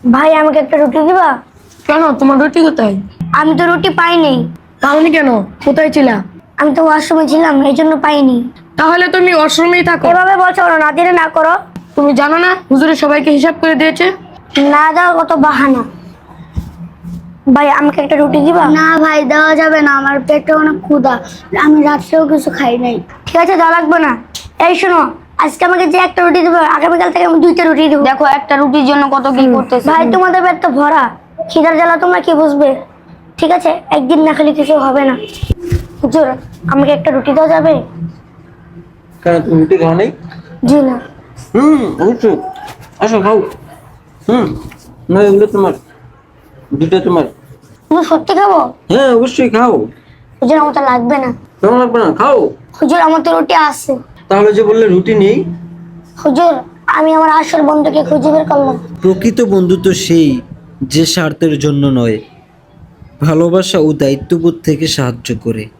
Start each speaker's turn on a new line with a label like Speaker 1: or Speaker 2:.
Speaker 1: ভাই আমাকে একটা রুটি দিবা?
Speaker 2: কেন, তোমার রুটি কোথায়?
Speaker 1: আমি তো রুটি পাইনি।
Speaker 2: তাহলে কেন, কোথায় ছিলা?
Speaker 1: আমি তো ওয়াশরুমে ছিলাম, এই জন্য পাইনি।
Speaker 2: তাহলে তুমি ওয়াশরুমেই থাকো।
Speaker 1: এভাবে বলছো কেন? না দিলে না করো।
Speaker 2: তুমি জানো না হুজুরে সবাইকে হিসাব করে দিয়েছে?
Speaker 1: না দাও, কত বাহানা। ভাই আমাকে একটা রুটি দিবা? না ভাই, দেওয়া যাবে না, আমার পেটে অনেক ক্ষুধা, আমি রাত্রেও কিছু খাই নাই। ঠিক আছে, দেওয়া লাগবে না। এই শোনো, আজকে আমাকে যে একটা রুটি দেবো, আগামীকাল থেকে আমি 2টা রুটি দেবো।
Speaker 3: দেখো একটা রুটির জন্য কত কি করতেছে।
Speaker 1: ভাই তোমাদের পেট তো ভরা, খিদার জ্বালা তোমরা কি বুঝবে? ঠিক আছে, একদিন না খেলে কিছু হবে না। হুজুর, আমাকে একটা রুটি দেওয়া যাবে?
Speaker 4: কেন, তুমি রুটি খাও নাই?
Speaker 1: জি না।
Speaker 4: অবশ্যই, আসো খাও। না, এগুলো তোমার, দুটো তোমার।
Speaker 1: তুমি সত্যি খাবো?
Speaker 4: হ্যাঁ অবশ্যই খাও।
Speaker 1: হুজুর আমার তো লাগবে না।
Speaker 4: কেমন লাগবে না, খাও।
Speaker 1: হুজুর আমার তো রুটি আছে।
Speaker 4: তাহলে যে বললে রুটি নেই।
Speaker 1: হুজুর, আমি আমার আসল বন্ধুকে খুঁজে বের করলাম।
Speaker 5: প্রকৃত বন্ধু তো সেই যে স্বার্থের জন্য নয়, ভালোবাসা ও দায়িত্ববোধ থেকে সাহায্য করে।